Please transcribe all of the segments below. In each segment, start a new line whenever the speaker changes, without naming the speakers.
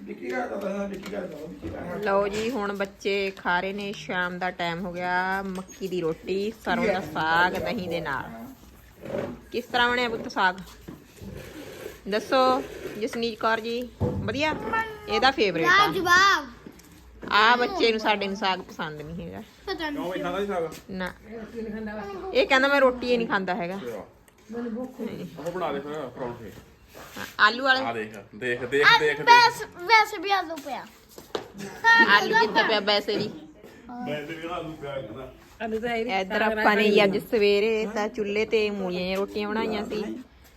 ਲਓ ਜੀ ਹੁਣ ਬੱਚੇ ਖਾ ਰਹੇ ਨੇ ਸ਼ਾਮ ਦਾ ਟਾਈਮ ਹੋ ਗਿਆ ਮੱਕੀ ਦੀ ਰੋਟੀ ਸਰੋਂ ਦਾ ਸਾਗ ਦਹੀਂ ਦੇ ਨਾਲ ਕਿਸ ਤਰ੍ਹਾਂ ਬਣਿਆ ਪੁੱਤ ਸਾਗ ਦੱਸੋ ਜਸਨੀਤ ਕੌਰ ਜੀ ਵਧੀਆ ਇਹਦਾ ਫੇਵਰੇਟ ਆ
ਜਵਾਬ
ਆ ਬੱਚੇ ਨੂੰ ਸਾਡੇ ਨੂੰ ਸਾਗ ਪਸੰਦ ਨਹੀਂ ਹੈਗਾ
ਪਤਾ ਨਹੀਂ
ਕਿਉਂ ਇਹ ਖਾਂਦਾ ਸੀ ਸਾਗ
ਨਾ ਇਹ ਕਹਿੰਦਾ ਮੈਂ ਰੋਟੀ ਹੀ ਨਹੀਂ ਖਾਂਦਾ ਹੈਗਾ
ਉਹ ਬਣਾ ਦੇ ਫਿਰ ਪਰੌਂਠੇ
ਆਲੂ ਵਾਲੇ
ਆ ਦੇਖ
ਵੈਸੇ ਵੀ ਆਲੂ ਪਿਆ
ਆਲੂ ਕਿੱਥੇ ਪਿਆ ਵੈਸੇ ਵੀ
ਮੈਂ ਤੇ ਵੀ ਆਲੂ ਪਿਆ ਕਰਦਾ
ਇੱਧਰ ਆਪਾਂ ਨੇ ਅੱਜ ਸਵੇਰੇ ਤਾਂ ਚੁੱਲ੍ਹੇ ਤੇ ਮੂਲੀਆਂ ਦੀਆਂ ਰੋਟੀਆਂ ਬਣਾਈਆਂ ਸੀ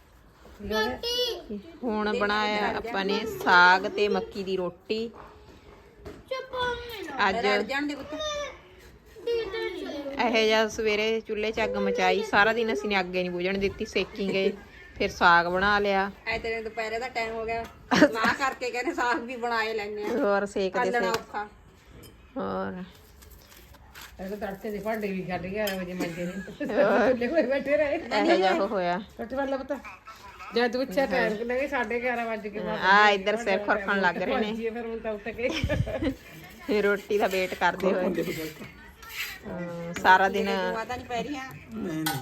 ਹੁਣ ਬਣਾਇਆ ਆਪਾਂ ਨੇ ਸਾਗ ਤੇ ਮੱਕੀ ਦੀ ਰੋਟੀ ਅੱਜ ਇਹ ਜਿਹਾ ਸਵੇਰੇ ਚੁੱਲ੍ਹੇ 'ਚ ਅੱਗ ਮਚਾਈ ਸਾਰਾ ਦਿਨ ਅਸੀਂ ਨੇ ਅੱਗੇ ਨਹੀਂ ਬੁਝਣ ਦਿੱਤੀ ਸੇਕੀ ਗਏ ਫਿਰ ਸਾਗ ਬਣਾ ਲਿਆ
ਐ ਤੇਰੇ ਦੁਪਹਿਰੇ ਦਾ ਟਾਈਮ ਹੋ ਗਿਆ ਨਾ ਕਰਕੇ ਕਹਿੰਦੇ ਸਾਗ ਵੀ ਬਣਾਏ ਲੈਣੇ ਆ
ਹੋਰ ਸੇਕਦੇ
ਕੱਢਣਾ
ਸੇਕ
ਔਖਾ
ਹੋਰ
ਇਹ ਤਾਂ ਤੜਕੇ ਦੇ ਭਾਂਡੇ ਵੀ ਕੱਢ ਗਿਆ ਵਜੇ ਮੰਜੇ ਨੇ ਖੁੱਲੇ ਹੋਏ ਬੈਠੇ ਰਹੇ
ਇਹ ਜਿਹਾ ਉਹ ਹੋਇਆ
ਕੱਟ ਵਾਲਾ ਪਤਾ ਜਦ ਤੂੰ ਅੱਛਾ ਟਾਈਮ ਕਿ ਲੱਗੇ 11:30 ਵਜੇ ਕੇ ਬਾਅਦ
ਆ ਇੱਧਰ ਸਿਰ ਖੁਰਕਣ ਲੱਗ ਰਹੇ ਨੇ
ਫਿਰ ਹੁਣ ਤਾਂ ਉੱਠ ਕੇ
ਫਿਰ ਰੋਟੀ ਦਾ ਵੇਟ ਕਰਦੇ ਹੋਏ ਸਾਰਾ ਦਿਨ
ਪਤਾ ਨਹੀਂ ਪੈ ਰਹੀਆਂ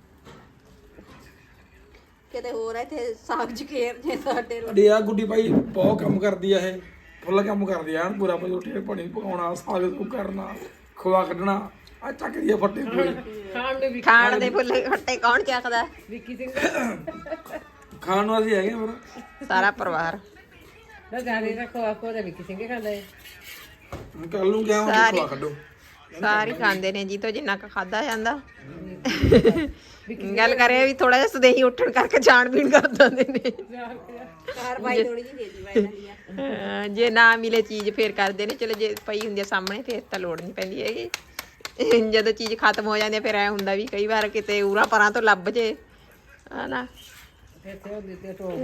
ਕਿਤੇ ਹੋਰ ਇੱਥੇ ਸਾਗ ਜਕੇਰ ਜੇ ਸਾਡੇ
ਅੜੀ ਆ ਗੁੱਡੀ ਭਾਈ ਬਹੁਤ ਕੰਮ ਕਰਦੀ ਆ ਇਹ ਫੁੱਲ ਕੰਮ ਕਰਦੀ ਆ ਪੂਰਾ ਭਾਈ ਰੋਟੀ ਪਾਣੀ ਪਕਾਉਣਾ ਸਾਗ ਨੂੰ ਕਰਨਾ ਖੋਆ ਕੱਢਣਾ ਆ ਚੱਕਦੀ ਆ ਫੱਟੇ ਪੂਰੇ
ਖਾਣ ਦੇ ਫੁੱਲੇ ਖੱਟੇ ਕੌਣ ਚੱਕਦਾ
ਵਿੱਕੀ ਸਿੰਘ
ਖਾਣ ਨੂੰ ਅਸੀਂ ਹੈਗੇ ਪਰ
ਸਾਰਾ ਪਰਿਵਾਰ
ਨਾ ਜਾਣੇ ਰੱਖੋ ਆਪੋ ਦਾ ਵਿੱਕੀ ਸਿੰਘ ਖਾਂਦਾ ਹੈ
ਕੱਲ ਨੂੰ ਕਿਹਾ ਮੈਂ ਖੋਆ ਕੱਢੋ
ਸਾਰੇ ਖਾਂਦੇ ਨੇ ਜੀ ਤੋਂ ਜਿੰਨਾ ਕੁ ਖਾਦਾ ਜਾਂਦਾ ਗੱਲ ਕਰੇ ਵੀ ਥੋੜਾ ਜਿਹਾ ਸਦੇਹੀ ਉੱਠਣ ਕਰਕੇ ਜਾਣ ਪੀਣ ਕਰ ਦਿੰਦੇ ਨੇ
ਕਾਰਵਾਈ ਥੋੜੀ ਜਿਹੀ ਦੇ ਦੀ ਬਾਈ ਜਾਂਦੀ
ਜੇ ਨਾ ਮਿਲੇ ਚੀਜ਼ ਫੇਰ ਕਰਦੇ ਨੇ ਚਲੋ ਜੇ ਪਈ ਹੁੰਦੀ ਆ ਸਾਹਮਣੇ ਫੇਰ ਤਾਂ ਲੋੜ ਨਹੀਂ ਪੈਂਦੀ ਹੈਗੀ ਜਦੋਂ ਚੀਜ਼ ਖਤਮ ਹੋ ਜਾਂਦੀ ਆ ਫਿਰ ਐ ਹੁੰਦਾ ਵੀ ਕਈ ਵਾਰ ਕਿਤੇ ਉਰਾਂ ਪਰਾਂ ਤੋਂ ਲੱਭ ਜੇ ਹਨਾ
ਇੱਥੇ ਉਹ ਦਿੱਤੇ ਟੋਲ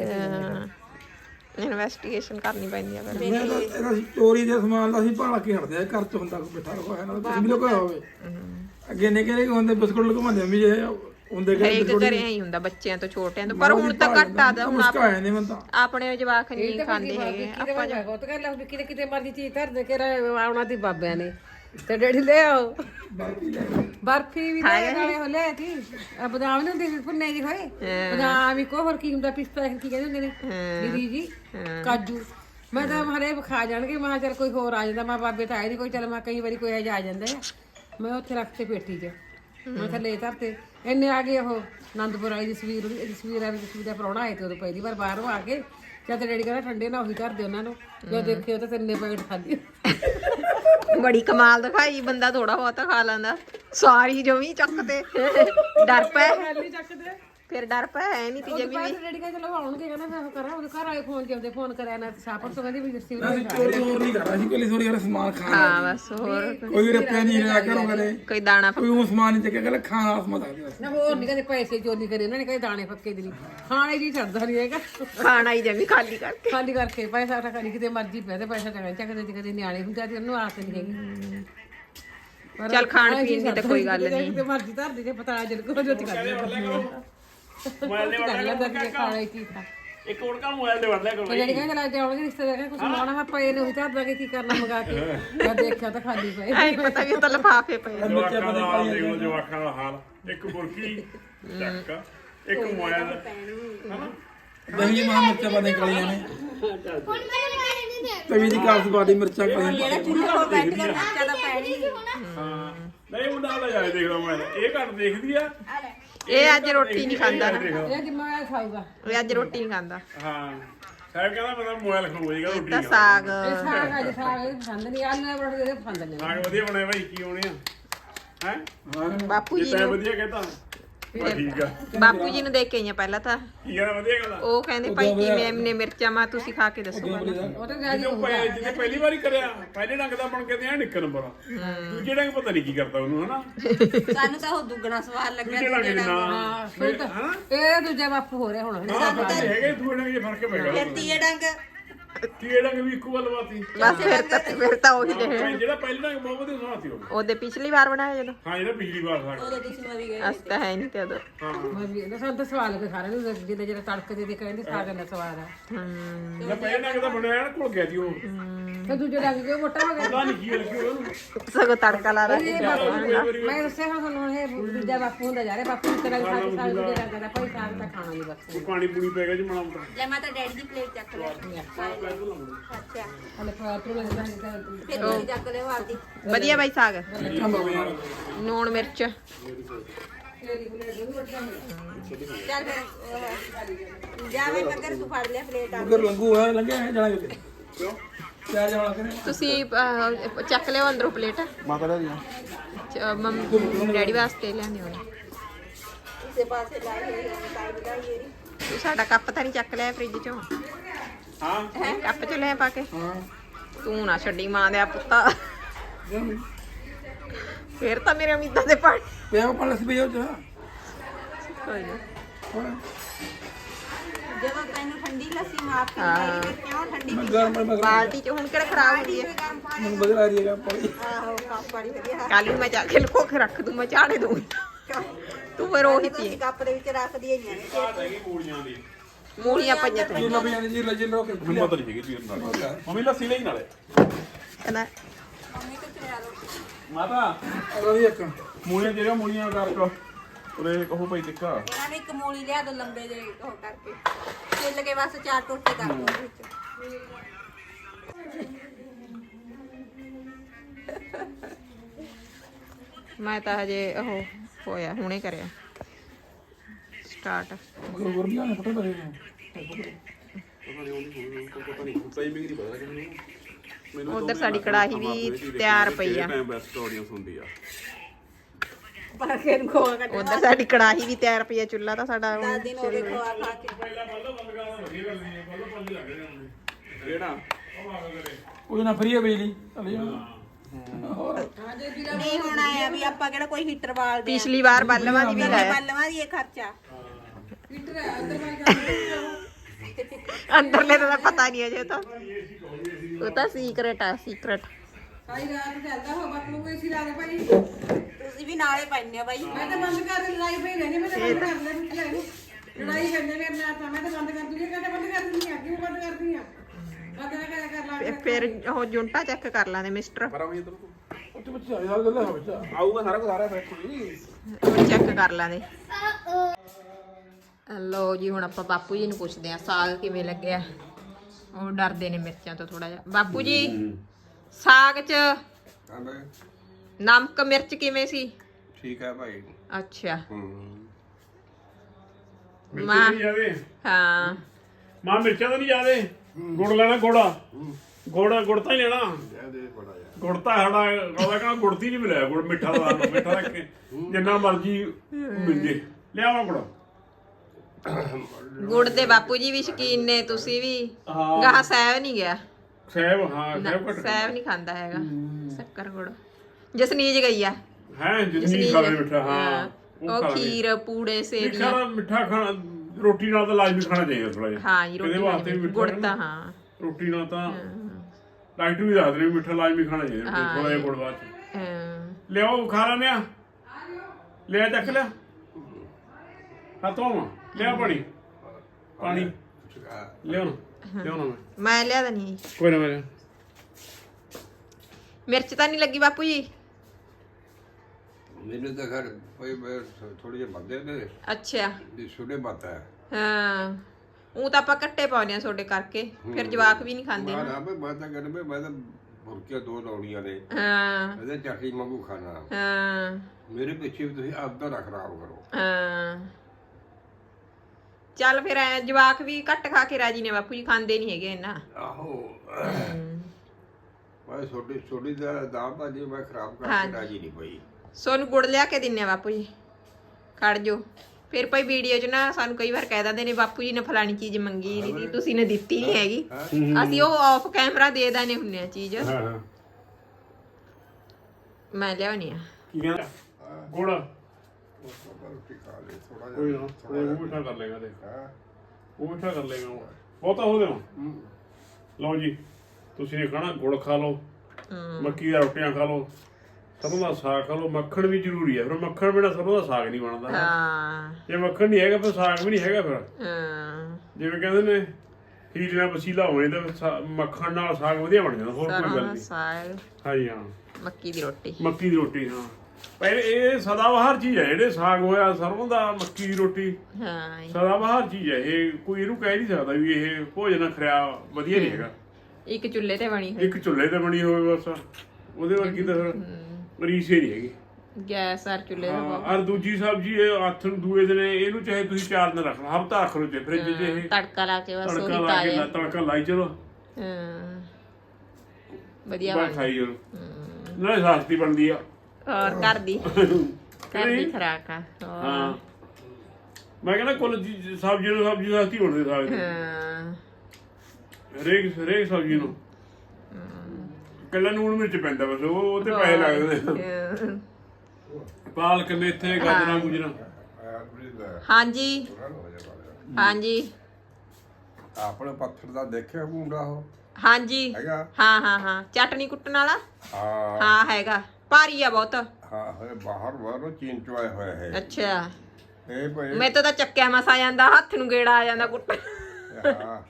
ਇਨਵੈਸਟੀਗੇਸ਼ਨ ਕਰਨੀ ਪੈਂਦੀ ਆ ਫਿਰ
ਇਹਦਾ ਅਸੀਂ ਚੋਰੀ ਦੇ ਸਮਾਨ ਦਾ ਅਸੀਂ ਭਾਲ ਕੇ ਹਟਦੇ ਆ ਘਰ ਚ ਹੁੰਦਾ ਕੋਈ ਬਿਠਾ ਰਖਿਆ ਨਾ ਕੁਝ ਵੀ ਲੁਕਿਆ ਹੋਵੇ ਅੱਗੇ ਨੇ ਕਹਿੰਦੇ ਹੁੰਦੇ ਬਿਸਕੁਟ ਲੁਕਾਉਂਦੇ ਵੀ ਜੇ ਹੁੰਦੇ
ਹਰੇਕ ਘਰੇ ਹੀ ਹੁੰਦਾ ਬੱਚਿਆਂ ਤੋਂ ਛੋਟਿਆਂ ਤੋਂ ਪਰ ਹੁਣ ਤਾਂ ਘੱਟ ਆਦਾ ਹੁਣ
ਮੁਸਕਾ ਆਇਆ ਨਹੀਂ ਬੰਦਾ
ਆਪਣੇ ਜਵਾਕ ਨਹੀਂ ਖਾਂਦੇ ਹੈਗੇ
ਆਪਾਂ ਜਾ ਬਹੁਤ ਕਰ ਲਾ ਵਿੱਕੀ ਨੇ ਕਿਤੇ ਮਰਜੀ ਚੀਜ਼ ਧਰ ਦੇ ਕੇ ਆਉਣਾ ਦੀ ਬਾਬਿਆਂ ਨੇ ਤੇ ਡੈਡੀ ਲੈ ਆਓ ਬਰਫੀ ਵੀ ਲੈ ਗਏ ਹੋਲੇ ਸੀ ਆ ਬਦਾਮ ਨਹੀਂ ਹੁੰਦੇ ਭੁੰਨੇ ਜਿਹੇ ਹੋਏ ਬਦਾਮ ਵੀ ਕੋ ਹੋਰ ਕੀ ਹੁੰਦਾ ਪਿਸਤਾ ਕੀ ਕਹਿੰਦੇ ਹੁੰਦੇ ਨੇ ਦੀਦੀ ਜੀ ਕਾਜੂ ਮੈਂ ਤਾਂ ਹਰੇ ਖਾ ਜਾਣਗੇ ਮੈਂ ਚੱਲ ਕੋਈ ਹੋਰ ਆ ਜਾਂਦਾ ਮੈਂ ਬਾਬੇ ਤਾਂ ਆਏ ਨਹੀਂ ਕੋਈ ਚੱਲ ਮੈਂ ਕਈ ਵਾਰੀ ਕੋਈ ਆ ਜਾਂਦਾ ਆ ਮੈਂ ਉੱਥੇ ਰੱਖਤੇ ਪੇਟੀ 'ਚ ਮੈਂ ਥੱਲੇ ਧਰਤੇ ਇੰਨੇ ਆ ਗਏ ਉਹ ਆਨੰਦਪੁਰ ਆਈ ਜਸਵੀਰ ਦਾ ਪ੍ਰਾਹੁਣਾ ਆਏ ਤੇ ਉਦੋਂ ਪਹਿਲੀ ਵਾਰ ਬਾਹਰੋਂ ਆ ਕੇ ਜਦ ਡੈਡੀ ਕਹਿੰਦਾ ਠੰਡੇ ਨਾ ਉਹੀ ਧਰ ਦੇ ਉਹਨਾਂ ਨੂੰ ਜਦੋਂ ਦੇਖਿਓ ਤਾਂ ਤਿੰਨੇ ਪਲੇਟ ਖਾਧੀ
ਬੜੀ ਕਮਾਲ ਦਿਖਾਈ ਬੰਦਾ ਥੋੜਾ ਬਹੁਤਾ ਖਾ ਲੈਂਦਾ ਸਾਰੀ ਜਮੀ ਚੱਕ ਤੇ ਡਰ ਪੈ
ਖਾਲੀ ਚੱਕਦੇ
ਫਿਰ ਡਰ ਪੈ ਹੈ ਨਹੀਂ ਤੀਜੇ ਵੀ
ਡੈਡੀ ਕਹਿੰਦਾ ਚਲੋ ਆਉਣਗੇ ਕਹਿੰਦਾ ਮੈਂ ਉਹ ਕਰਾਂ ਉਹਦੇ ਘਰ ਆਏ ਫੋਨ ਕਰਦੇ ਫੋਨ ਕਰਿਆ ਨਾ ਸਾਪਰ ਤੋਂ ਕਹਿੰਦੀ ਵੀ ਜਸਵੀਰ
ਅਸੀਂ ਚੋਰੀ ਹੋਰ ਨਹੀਂ ਕਰਦਾ ਅਸੀਂ ਕੋਲੀ ਥੋੜੀ ਯਾਰ ਸਮਾਨ ਖਾਣਾ
ਹਾਂ ਬਸ ਹੋਰ
ਕੋਈ ਰੁਪਿਆ ਨਹੀਂ ਰਿਹਾ ਕਰੋ ਕਰੇ
ਕੋਈ ਦਾਣਾ
ਕੋਈ ਉਹ ਸਮਾਨ ਨਹੀਂ ਚੱਕਿਆ ਕਹਿੰਦਾ ਖਾਣਾ ਸਮਾਨ ਸਕਦੇ ਬਸ
ਨਾ ਹੋਰ ਨਹੀਂ ਕਦੇ ਪੈਸੇ ਚੋਰੀ ਕਰੇ ਉਹਨਾਂ ਨੇ ਕਦੇ ਦਾਣੇ ਪੱਕੇ ਦੀ ਨਹੀਂ ਖਾਣੇ ਦੀ ਛੱਡਦਾ ਨਹੀਂ ਹੈਗਾ
ਖਾਣਾ ਹੀ ਜਮੀ ਖਾਲੀ ਕਰਕੇ
ਖਾਲੀ ਕਰਕੇ ਪੈਸਾ ਤਾਂ ਕਦੀ ਕਿਤੇ ਮਰਜ਼ੀ ਪੈ ਤੇ ਪੈਸਾ ਤਾਂ ਚੱਕਦੇ ਤੇ ਕਦੇ ਨਿਆਣੇ ਹੁੰਦੇ ਤੇ ਉਹਨੂੰ ਆਸ ਨਹੀਂ ਹੈਗੀ
ਚੱਲ ਖਾਣ ਪੀਣ ਦੀ ਤਾਂ ਕੋਈ ਗੱਲ ਨਹੀਂ
ਕਿਤੇ ਮਰਜ਼ੀ ਧਰ ਦੇ ਜੇ ਪਤਾ ਜਦ ਕੋ ਜੋ
ਮੋਬਾਈਲ ਦੇ
ਕਰ ਲੈਂਦਾ ਕਿ ਖਾਣੇ ਕੀ ਖਾ
ਇੱਕ ਹੋਰ ਕੰਮ ਮੋਬਾਈਲ ਦੇ ਵੜ ਲਿਆ ਕਰੋ
ਜਿਹੜੀ ਕਹਿੰਦੇ ਲੱਗ ਜਾਣਗੇ ਰਿਸ਼ਤੇਦਾਰ ਕੁਝ ਮੰਗਾਉਣਾ ਮੈਂ ਪਏ ਨੇ ਉਹੀ ਧਰ ਦਾਂਗੇ ਕੀ ਕਰਨਾ ਮੰਗਾ ਕੇ ਮੈਂ ਦੇਖਿਆ ਤਾਂ ਖਾਲੀ ਪਏ
ਐ ਪਤਾ ਵੀ ਉਹ ਤਾਂ ਲਫਾਫੇ ਪਏ
ਜਵਾਕਾਂ ਦਾ ਹਾਲ ਦੇਖੋ ਜਵਾਕਾਂ ਦਾ ਹਾਲ ਇੱਕ ਬੁਰਕੀ ਚੱਕ ਇੱਕ ਮੋਬਾਈਲ
ਦਹੀਂ ਮਾਂ ਮਿਰਚਾਂ ਪਾਦੇ ਕਲੀਆਂ ਨੇ
ਹੁਣ ਮੈਂ ਨਹੀਂ ਦੇ
ਤਵੀ ਦੀ ਕਾਸ ਬਾਦੀ ਮਿਰਚਾਂ ਕਲੀਆਂ
ਜਿਹੜਾ ਚੁੱਲ੍ਹੇ ਕੋਲ ਬੈਠ ਕੇ ਜ਼ਿਆਦਾ ਪੈਣੀ
ਹਾਂ ਨਹੀਂ ਮੁੰਡਾ ਵਾਲਾ ਜਾਏ ਦੇਖਦਾ ਮੈਂ ਇਹ ਘੱਟ ਦੇਖਦੀ ਆ
ਇਹ ਅੱਜ ਰੋਟੀ ਨਹੀਂ ਖਾਂਦਾ
ਇਹ ਜਿੰਮਾ ਖਾਊਗਾ
ਇਹ ਅੱਜ ਰੋਟੀ ਨਹੀਂ ਖਾਂਦਾ
ਹਾਂ ਸਾਹਿਬ ਕਹਿੰਦਾ ਮੈਂ ਤਾਂ ਮੋਬਾਈਲ ਖੋਲੇਗਾ ਰੋਟੀ
ਤਾਂ
ਨਹੀਂ
ਸਾਗ
ਸਾਗ ਅੱਜ ਸਾਗ ਪਸੰਦ ਨਹੀਂ ਆਲੂ ਬੜੇ ਦੇ ਪਸੰਦ ਨੇ
ਸਾਗ ਵਧੀਆ ਬਣਿਆ ਭਾਈ ਕੀ ਹੋਣੇ ਆ ਹੈ
ਬਾਪੂ ਜੀ
ਜੇ ਤੈਂ
ਨੂੰ
ਵਧੀਆ ਕਹਿੰਦਾ ਠੀਕ ਆ
ਬਾਪੂ ਜੀ ਨੂੰ ਦੇਖ ਕੇ ਆਈਆਂ ਪਹਿਲਾਂ ਤਾਂ
ਕੀ ਕਹਿੰਦਾ ਵਧੀਆ ਕਹਿੰਦਾ
ਉਹ ਕਹਿੰਦੇ ਭਾਈ ਕੀ ਮੈਮ ਨੇ ਮਿਰਚਾਂ ਮਾ ਤੁਸੀਂ ਖਾ ਕੇ ਦੱਸੋ ਮੈਨੂੰ
ਉਹ ਤਾਂ ਜਿਆਦਾ
ਜਿਹਨੇ ਪਹਿਲੀ ਵਾਰੀ ਕਰਿਆ ਪਹਿਲੇ ਡੰਗ ਦਾ ਬਣ ਕੇ ਤੇ ਆ ਨਿੱਕਰ ਨੰਬਰ ਦੂਜੇ ਡੰਗ ਪਤਾ ਨਹੀਂ ਕੀ ਕਰਦਾ ਉਹਨੂੰ ਹਨਾ
ਸਾਨੂੰ ਤਾਂ ਉਹ ਦੁੱਗਣਾ ਸਵਾਲ ਲੱਗਿਆ
ਦੂਜੇ ਡੰਗ ਦੇ ਨਾਲ
ਹਾਂ ਫਿਰ ਤਾਂ ਇਹ ਦੂਜਾ ਬਾਪੂ ਹੋ ਰਿਹਾ ਹੁਣ
ਹਾਂ ਪਤਾ ਨਹੀਂ ਹੈਗੇ ਦੂਜੇ ਡੰਗ ਦੇ ਫਰਕ ਪੈਗਾ
ਫਿਰ ਤੀਏ ਡੰਗ
ਤੀਏ ਡੰਗ ਵੀ ਇੱਕੋ ਗੱਲ ਬਾਤੀ
ਬਸ ਫਿਰ ਤਾਂ ਉਹੀ ਨੇ
ਜਿਹੜਾ ਪਹਿਲੇ ਡੰਗ ਬਹੁਤ ਵਧੀਆ ਸੁਣਾਤੀ ਉਹ
ਉਹਦੇ ਪਿਛਲੀ ਵਾਰ ਬਣਾਇਆ ਜਦੋਂ
ਹਾਂ ਜਿਹੜਾ ਪਿਛਲੀ ਵਾਰ ਸਾਡਾ
ਉਹਦੇ ਤੁਸੀਂ ਮਰੀ ਗਏ
ਅਸ ਤਾਂ ਹੈ ਨਹੀਂ ਤੇ ਉਦੋਂ
ਮੈਂ ਵੀ ਸਾਨੂੰ ਤਾਂ ਸਵਾਲ ਕੇ ਸਾਰਿਆਂ ਨੂੰ ਜਿਹਦੇ ਜਿਹੜਾ ਤੜਕ ਦੇ ਕਹਿੰਦੇ ਸਾਗ ਦਾ ਸਵਾਦ ਆ
ਜਿਹੜਾ ਪਹਿਲੇ ਡੰਗ ਦਾ ਬਣਿਆ ਨਾ ਘੁਲ ਗਿਆ ਸੀ ਉਹ
ਤੇ ਦੂਜੇ ਲੱਗ ਕੇ ਮੋਟਾ ਹੋ ਗਿਆ
ਪਤਾ ਨਹੀਂ ਕੀ ਲੱਗਿਆ ਉਹਨੂੰ
ਸਗੋਂ ਤੜਕਾ ਲਾ ਰਿਹਾ
ਮੈਂ ਦੱਸਿਆ ਹਾਂ ਤੁਹਾਨੂੰ ਇਹ ਦੂਜਾ ਬਾਪੂ ਹੁੰਦਾ ਜਾ ਰਿਹਾ ਬਾਪੂ ਦੀ ਤਰ੍ਹਾਂ ਸਾਗ ਸਾਗ ਦੂਜੇ ਲੱਗਦਾ ਭਾਈ ਸਾਗ ਤਾਂ ਖਾਣਾ ਨਹੀਂ ਬਸ
ਉਹ ਪਾਣੀ ਪੂਣੀ ਪੈ ਗਿਆ ਜੀ ਮਾੜਾ ਮੋਟਾ
ਲੈ ਮੈਂ ਤਾਂ ਡੈਡੀ ਦੀ ਪਲੇਟ ਚੱਕ ਲਿਆ ਅੱਛਾ
ਹਲੇ ਫਾਟੂ ਲੱਗਦਾ ਹੈ ਤਾਂ
ਫਿਰ ਤੁਸੀਂ ਚੱਕ ਲਿਓ ਆਪਦੀ
ਵਧੀਆ ਬਾਈ ਸਾਗ ਨੂਣ ਮਿਰਚ
ਚੱਲ ਫਿਰ ਜਾਵੇ ਮਗਰ ਤੂੰ ਫੜ ਲਿਆ ਪਲੇਟ ਆ
ਉਧਰ ਲੰਗੂ ਆ ਲੰਘਿਆ ਹੈ ਜਾਣਾ ਕਿਤੇ ਕਿਉਂ ਕਿਆ ਜਾਣਾ ਕਰੇ
ਤੁਸੀਂ ਚੱਕ ਲਿਓ ਅੰਦਰੋਂ ਪਲੇਟ
ਮਾਤਾ ਦਾ ਜੀ
ਡੈਡੀ ਵਾਸਤੇ ਲਿਆਂਦੇ ਹੋਣੇ
ਇਸੇ ਪਾਸੇ ਲਾਈ ਹੋਈ ਹੈ ਸਾਈਡ ਲਾਈ ਹੋਈ
ਤੂੰ ਸਾਡਾ ਕੱਪ ਤਾਂ ਨਹੀਂ ਚੱਕ ਲਿਆ ਫ੍ਰਿਜ ਚੋਂ
ਹਾਂ
ਕੱਪ ਚ ਲੈ ਪਾ ਕੇ
ਹਾਂ
ਤੂੰ ਨਾ ਛੱਡੀ ਮਾਂ ਦੇ ਪੁੱਤਾ ਫੇਰ ਤਾਂ ਮੇਰੇ ਉਮੀਦਾਂ ਦੇ ਪਾਣੀ
ਪਿਆ ਪਾਲਸ ਵੀ ਹੋ ਜਾ
ਕੋਈ ਨਾ
ਜਦੋਂ ਤੈਨੂੰ ਠੰਡੀ ਲੱਸੀ ਮਾਫ ਕੀਤੀ ਫਿਰ ਕਿਉਂ ਠੰਡੀ
ਮੈਂ ਗਰਮ ਮੈਂ
ਬਾਲਟੀ ਚ ਹੁਣ ਕਿਹੜਾ ਖਰਾਬ ਹੁੰਦੀ ਹੈ
ਗਰਮ ਪਾਣੀ
ਮੈਨੂੰ ਬਦਲ ਆ ਰਹੀ ਹੈ ਪਾਣੀ
ਆਹੋ ਕੱਪ ਵਾਲੀ ਵਧੀਆ
ਕੱਲ ਨੂੰ ਮੈਂ ਜਾ ਕੇ ਲੁਕੋ ਕੇ ਰੱਖ ਦੂੰ ਮੈਂ ਚਾੜੇ ਦੂੰ ਤੂੰ ਫਿਰ ਉਹੀ
ਤੁਸੀਂ
ਪੀਏ
ਕੱਪ ਦੇ ਵਿੱਚ ਰੱਖ ਦਈਏ ਨਹੀਂ
ਆਹ ਹੈਗੀ ਮੂਲੀਆਂ ਦੀ
ਮੂਲੀਆਂ ਪਈਆਂ ਤੇ
ਜੀ ਲੱਭ ਜਾਣੀ ਜੀ ਲੱਜ ਲੋ ਕੇ
ਮੈਨੂੰ ਪਤਾ ਨਹੀਂ ਹੈਗੀ ਜੀ ਨਾਲ ਮੰਮੀ ਲੱਸੀ ਲਈ ਨਾਲੇ
ਕਹਿੰਦਾ
ਮੰਮੀ ਕਿੱਥੇ ਆ ਲੋ
ਮਾਤਾ
ਅਗਲਾ ਵੀ ਇੱਕ
ਮੂਲੀਆਂ ਜਿਹੜੀਆਂ ਮੂਲੀਆਂ ਕਰ ਉਰੇ ਉਹ ਪਈ ਟਿੱਕਾ
ਇਹਨਾਂ ਨੇ ਇੱਕ ਮੂਲੀ ਲਿਆ ਦੋ ਲੰਬੇ ਜਿਹੇ ਉਹ ਕਰਕੇ ਛਿੱਲ ਕੇ ਬਸ 4 ਟੋਟੇ ਕਰ ਦੋ ਉਹਦੇ ਵਿੱਚ
ਮੈਂ ਤਾਂ ਹਜੇ ਉਹ ਹੋਇਆ ਹੁਣੇ ਕਰਿਆ ਸਟਾਰਟ
ਗੁਰਗੁਰੀਆਂ ਨੇ ਫੋਟੋ ਕਰੇ
ਉਧਰ ਸਾਡੀ ਕੜਾਹੀ ਵੀ ਤਿਆਰ ਪਈ ਆ
ਟਾਈਮ ਬੈਸਟ ਆਡੀਅנס ਹੁੰਦੀ ਆ
ਪਰ ਕੇ ਨੂੰ ਖੋਆ ਕੱਟ
ਉਧਰ ਸਾਡੀ ਕੜਾਹੀ ਵੀ ਤਿਆਰ ਪਈ ਆ ਚੁੱਲ੍ਹਾ ਤਾਂ ਸਾਡਾ
10 ਦਿਨ ਹੋ ਗਏ ਖੋਆ ਖਾ ਕੇ
ਪਹਿਲਾਂ ਬੱਲੋ ਬੰਦ ਕਰਾਉਣਾ ਵਧੀਆ ਕਰਦੀ ਹੈ ਬੱਲੋ ਬੰਦ ਲੱਗ ਰਿਹਾ ਹੁਣ ਕਿਹੜਾ ਉਹ ਆਗਾ ਕਰੇ
ਕੋਈ ਨਾ ਫਰੀ ਹੈ ਬਿਜਲੀ ਚਲੇ ਜਾ
ਨਹੀਂ ਹੁਣ ਆਇਆ ਵੀ ਆਪਾਂ ਕਿਹੜਾ ਕੋਈ ਹੀਟਰ ਬਾਲਦੇ ਆ
ਪਿਛਲੀ ਵਾਰ ਬੱਲਵਾਂ ਦੀ ਵੀ ਹੈ
ਬੱਲਵਾਂ ਦੀ ਇਹ ਖਰਚਾ
ਅੰਦਰਲੇ ਦਾ ਤਾਂ ਪਤਾ ਨਹੀਂ ਅਜੇ ਤਾਂ ਉਹ ਤਾਂ ਸੀਕ੍ਰੇਟ ਆ ਸੀਕ੍ਰੇਟ
ਸਾਰੀ ਰਾਤ ਚੱਲਦਾ ਹੋ ਬਾਪੂ ਨੂੰ ਕੋਈ ਸੀ ਲਾ ਦੇ ਭਾਈ
ਤੁਸੀਂ ਵੀ ਨਾਲੇ ਪੈਣੇ ਆ ਬਾਈ
ਮੈਂ ਤਾਂ ਬੰਦ ਕਰ ਦੇ ਲੜਾਈ ਪਈ ਰਹਿਣੀ ਮੈਂ ਤਾਂ ਬੰਦ ਕਰ ਲੈ ਮੁੱਠੀ ਲੈ ਲੜਾਈ ਕਰਨੇ ਮੇਰੇ ਨਾਲ ਤਾਂ ਮੈਂ ਤਾਂ ਬੰਦ ਕਰ ਦੂੰਗੀ ਕਹਿੰਦਾ ਬੰਦ ਕਰ ਦਿੰਦੀ ਆ ਕਿਉਂ ਬੰਦ ਕਰਦੀ ਆ ਬੰਦ ਨਾ ਕਰ ਲਾ
ਫਿਰ ਉਹ ਜੁੰਟਾ ਚੈੱਕ ਕਰ ਲਾਂਦੇ ਮਿਸਟਰ
ਉੱਤੇ ਬੱਚਾ ਆ ਗੱਲ ਹੈ ਬੱਚਾ
ਆਊਗਾ ਸਾਰਾ ਕੁਝ ਸਾਰਾ ਬੈਠੀ
ਉਹ ਚੈੱਕ ਕਰ ਲਾਂਦੇ ਲੋ ਜੀ ਹੁਣ ਆਪਾਂ ਬਾਪੂ ਜੀ ਨੂੰ ਪੁੱਛਦੇ ਆ ਸਾਗ ਕਿਵੇਂ ਲੱਗਿਆ ਉਹ ਡਰਦੇ ਨੇ ਮਿਰਚਾਂ ਤੋਂ ਥੋੜਾ ਜਿਹਾ ਬਾਪੂ ਜੀ ਸਾਗ 'ਚ ਨਮਕ ਮਿਰਚ ਕਿਵੇਂ ਸੀ
ਠੀਕ ਹੈ ਭਾਈ
ਅੱਛਾ
ਮਿਰਚਾਂ ਨਹੀਂ ਜਾਵੇ
ਹਾਂ
ਮਾਂ ਮਿਰਚਾਂ ਤਾਂ ਨਹੀਂ ਜਾਵੇ ਗੁੜ ਲੈਣਾ ਗੁੜ ਤਾਂ ਹੀ ਲੈਣਾ ਗੁੜ ਤਾਂ ਸਾਡਾ ਉਹਦਾ ਕਹਿੰਦਾ ਗੁੜਤੀ ਨਹੀਂ ਮਿਲਿਆ ਗੁੜ ਮਿੱਠਾ ਦਾ ਮਿੱਠਾ ਰੱਖ ਕੇ ਜਿੰਨਾ ਮਰਜੀ ਮਿਲ ਜੇ ਲਿਆਵਾ ਗੁੜ
ਗੁੜ ਦੇ ਬਾਪੂ ਜੀ ਵੀ ਸ਼ਕੀਨ ਨੇ ਤੁਸੀਂ ਵੀ
ਹਾਂ।
ਗਾਹ ਸਹਿਬ ਨਹੀਂ ਗਿਆ
ਸਹਿਬ ਹਾਂ ਸਹਿਬ ਘਟ
ਸਹਿਬ ਨਹੀਂ ਖਾਂਦਾ ਹੈਗਾ ਸ਼ੱਕਰ ਗੁੜ ਜਸਨੀਜ ਗਈ ਆ
ਹੈ ਜਿੰਨੀ ਖਾਵੇ ਮਿੱਠਾ ਹਾਂ
ਉਹ ਖੀਰ ਪੂੜੇ ਸੇਵੀਆਂ
ਮਿੱਠਾ ਖਾਣਾ ਰੋਟੀ ਨਾਲ ਤਾਂ ਲਾਜ਼ਮੀ ਖਾਣਾ ਚਾਹੀਦਾ ਥੋੜਾ ਜਿਹਾ
ਹਾਂ ਜੀ
ਇਹਦੇ ਵਾਸਤੇ ਵੀ
ਰੋਟੀ
ਮਿੱਠਾ
ਗੁੜ
ਖਾਣਾ।
ਤਾਂ ਹਾਂ
ਰੋਟੀ ਨਾਲ ਤਾਂ ਡਾਕਟਰ ਵੀ ਦੱਸਦੇ ਨੇ ਮਿੱਠਾ ਲਾਜ਼ਮੀ ਖਾਣਾ ਚਾਹੀਦਾ ਥੋੜਾ ਜਿਹਾ ਗੁੜ ਬਾਅਦ ਚ ਲਿਆਓ ਖਾ ਲੈਣੇ ਆ ਲਿਆ ਚੱਕ ਲਿਆ ਹਾਂ ਤੋਂ ਲਿਆ ਪਾਣੀ ਲਿਓ ਨਾ
ਮੈਂ ਲਿਆ ਦਨੀ
ਕੋਈ ਨਾ ਮੇਰੇ
ਮਿਰਚ ਤਾਂ ਨਹੀਂ ਲੱਗੀ ਬਾਪੂ ਜੀ
ਮੈਨੂੰ ਤਾਂ ਘਰ ਕੋਈ ਥੋੜੀ ਜਿਹੀ ਬੰਦੇ ਨੇ
ਅੱਛਾ
ਦੀ ਛੋਟੇ ਬਾਤ ਹੈ
ਹਾਂ ਉਹ ਤਾਂ ਆਪਾਂ ਕੱਟੇ ਪਾਉਨੇ ਆ ਤੁਹਾਡੇ ਕਰਕੇ ਫਿਰ ਜਵਾਕ ਵੀ ਨਹੀਂ ਖਾਂਦੇ
ਮੈਂ
ਨਾ
ਆਪੇ ਬਾਤ ਕਰ ਮੈਂ ਤਾਂ ਭੁਰਕੀਆਂ ਦੋ ਲਾਉਣੀਆਂ ਨੇ
ਹਾਂ
ਇਹਦੇ ਚਾਟੀ ਮੰਗੂ ਖਾਣਾ
ਹਾਂ
ਮੇਰੇ ਪਿੱਛੇ ਵੀ ਤੁਸੀਂ ਆਪ ਦਾ ਖਰਾਬ ਕਰੋ
ਹਾਂ ਚੱਲ ਫਿਰ ਐਂ ਜਵਾਕ ਵੀ ਘੱਟ ਖਾ ਕੇ ਰਾਜੀ ਨੇ ਬਾਪੂ ਜੀ ਖਾਂਦੇ ਨਹੀਂ ਹੈਗੇ ਇੰਨਾ
ਆਹੋ ਮੈਂ ਛੋਟੀ ਦਾ ਦਾਲ ਭਾਜੀ ਮੈਂ ਖਰਾਬ ਕਰਕੇ ਰਾਜੀ ਨਹੀਂ ਪਈ
ਸੋਨੂੰ ਗੁੜ ਲਿਆ ਕੇ ਦਿੰਨੇ ਆ ਬਾਪੂ ਜੀ ਖੜ ਜੋ ਫਿਰ ਭਾਈ ਵੀਡੀਓ 'ਚ ਨਾ ਸਾਨੂੰ ਕਈ ਵਾਰ ਕਹਿ ਦਿੰਦੇ ਨੇ ਬਾਪੂ ਜੀ ਨੇ ਫਲਾਣੀ ਚੀਜ਼ ਮੰਗੀ ਨਹੀਂ ਤੁਸੀਂ ਨੇ ਦਿੱਤੀ ਨਹੀਂ ਹੈਗੀ ਅਸੀਂ ਉਹ ਆਫ ਕੈਮਰਾ ਦੇ ਦਾਨੇ ਹੁੰਨੇ ਆ ਚੀਜ਼
ਹਾਂ
ਮੈਂ ਲਿਆਉਣੀ ਆ
ਕੀ ਕਹਿੰਦਾ ਗੁੜ
ਰੋਟੀ ਖਾ ਲੈ ਥੋੜਾ
ਕੋਈ ਨਾ ਉਹ ਮਿੱਠਾ ਕਰ ਲੇਗਾ ਦੇਖ ਉਹ ਮਿੱਠਾ ਕਰ ਲੇਗਾ ਬਹੁਤਾ ਹੋ ਦੇਣਾ ਲਓ ਜੀ ਤੁਸੀਂ ਨੇ ਖਾਣਾ ਗੁੜ ਖਾ ਲਓ, ਮੱਕੀ ਦੀਆਂ ਰੋਟੀਆਂ ਖਾ ਲਓ, ਸਰੋਂ ਦਾ ਸਾਗ ਖਾ ਲਓ। ਮੱਖਣ ਵੀ ਜ਼ਰੂਰੀ ਹੈ, ਫਿਰ ਮੱਖਣ ਬਿਨਾਂ ਸਰੋਂ ਦਾ ਸਾਗ ਨਹੀਂ ਬਣਦਾ।
ਹਾਂ
ਜੇ ਮੱਖਣ ਨਹੀਂ ਹੈਗਾ ਫਿਰ ਸਾਗ ਵੀ ਨਹੀਂ ਹੈਗਾ। ਫਿਰ
ਹਾਂ
ਜਿਵੇਂ ਕਹਿੰਦੇ ਨੇ ਹੀਰ ਨਾਲ ਵਸੀਲਾ ਹੋਵੇ ਤਾਂ ਮੱਖਣ ਨਾਲ ਸਾਗ ਵਧੀਆ ਬਣ ਜਾਂਦਾ, ਹੋਰ ਕੋਈ
ਸਰੋਂ
ਗੱਲ
ਦਾ
ਨਹੀਂ।
ਸਾਗ,
ਹਾਂਜੀ ਹਾਂ,
ਮੱਕੀ ਦੀ ਰੋਟੀ।
ਮੱਕੀ ਦੀ ਰੋਟੀ ਹਾਂ। ਪਰ ਇਹ ਸਦਾਬਹਾਰ ਚੀਜ਼ ਹੈ, ਜਿਹੜੇ ਸਾਗ ਹੋਇਆ ਸਰੋਂ ਦਾ, ਮੱਕੀ ਦੀ ਰੋਟੀ
ਹਾਂ
ਸਦਾਬਹਾਰ ਚੀਜ਼ ਹੈ। ਇਹ ਕੋਈ ਇਹਨੂੰ ਕਹਿ ਨਹੀਂ ਸਕਦਾ ਵੀ ਇਹ ਭੋਜਨ ਖਰਿਆ ਵਧੀਆ ਨਹੀਂ ਹੈਗਾ।
ਇੱਕ ਚੁੱਲ੍ਹੇ ਤੇ ਬਣੀ ਹੋਈ,
ਇੱਕ ਚੁੱਲ੍ਹੇ ਤੇ ਬਣੀ ਹੋਵੇ ਬਸ, ਉਹਦੇ ਵਰਗੀ ਤਾਂ ਫਿਰ ਰੀਸ ਹੀ ਨਹੀਂ ਹੈਗੀ।
ਗੈਸ ਔਰ ਚੁੱਲ੍ਹੇ ਦਾ
ਹਾਂ, ਔਰ ਦੂਜੀ ਸਬਜ਼ੀ ਇਹ ਹੱਥ ਨੂੰ ਦੂਏ ਦਿਨ ਇਹਨੂੰ ਚਾਹੇ ਤੁਸੀਂ 4 ਦਿਨ ਰੱਖ ਲਓ, ਹਫ਼ਤਾ ਰੱਖ ਲਓ ਜੇ ਫ੍ਰਿਜ 'ਚ ਇਹ
ਤੜਕਾ ਲਾ ਕੇ ਬਸ
ਤੜਕਾ
ਉਹੀ
ਲਾ ਕੇ
ਤਾਜ਼ਾ।
ਤੜਕਾ ਲਾਈ ਚਲੋ,
ਹਾਂ ਵਧੀਆ
ਬਸ
ਬਣ
ਖਾਈ ਚਲੋ, ਨਾਲੇ ਸਸਤੀ ਬਣਦੀ ਆ।
ਔਰ ਘਰ ਦੀ ਖੁਰਾਕ ਆ।
ਹਾਂ ਮੈਂ ਕਹਿੰਦਾ ਕੁੱਲ ਸਬਜ਼ੀ ਨੂੰ ਸਬਜ਼ੀ ਸਸਤੀ ਬਣਦੀ ਸਾਗ ਦੀ,
ਹਾਂ
ਹਰੇਕ ਸਬਜ਼ੀ ਨੂੰ ਕੱਲਾ ਨੂਣ ਮਿਰਚ ਪੈਂਦਾ ਬਸ, ਉਹ ਤੇ ਪੈਸੇ ਲੱਗਦੇ ਨੇ। ਪਾਲਕ, ਮੇਥੇ, ਗਾਜਰਾਂ ਗੁਜਰਾਂ।
ਹਾਂਜੀ ਹਾਂਜੀ
ਆਪਣੇ ਪੱਥਰ ਦਾ ਦੇਖਿਆ ਮੁੰਡਾ ਉਹ
ਹਾਂਜੀ
ਹੈਗਾ?
ਹਾਂ ਚਟਨੀ ਕੁੱਟਣ ਵਾਲਾ।
ਹਾਂ
ਹਾਂ ਹੈਗਾ, ਭਾਰੀ ਆ ਬਹੁਤ।
ਹਾਂ ਹੋਏ ਬਾਹਰੋਂ ਚੀਨ ਚੋਂ ਆਇਆ ਹੋਇਆ ਹੈ
ਅੱਛਾ
ਇਹ ਭਾਈ।
ਮੈਂ ਤਾਂ ਚੱਕਿਆ ਮਸਾ ਜਾਂਦਾ, ਹੱਥ ਨੂੰ ਗੇੜਾ ਆ ਜਾਂਦਾ ਕੁੱਟ।
ਹਾਂ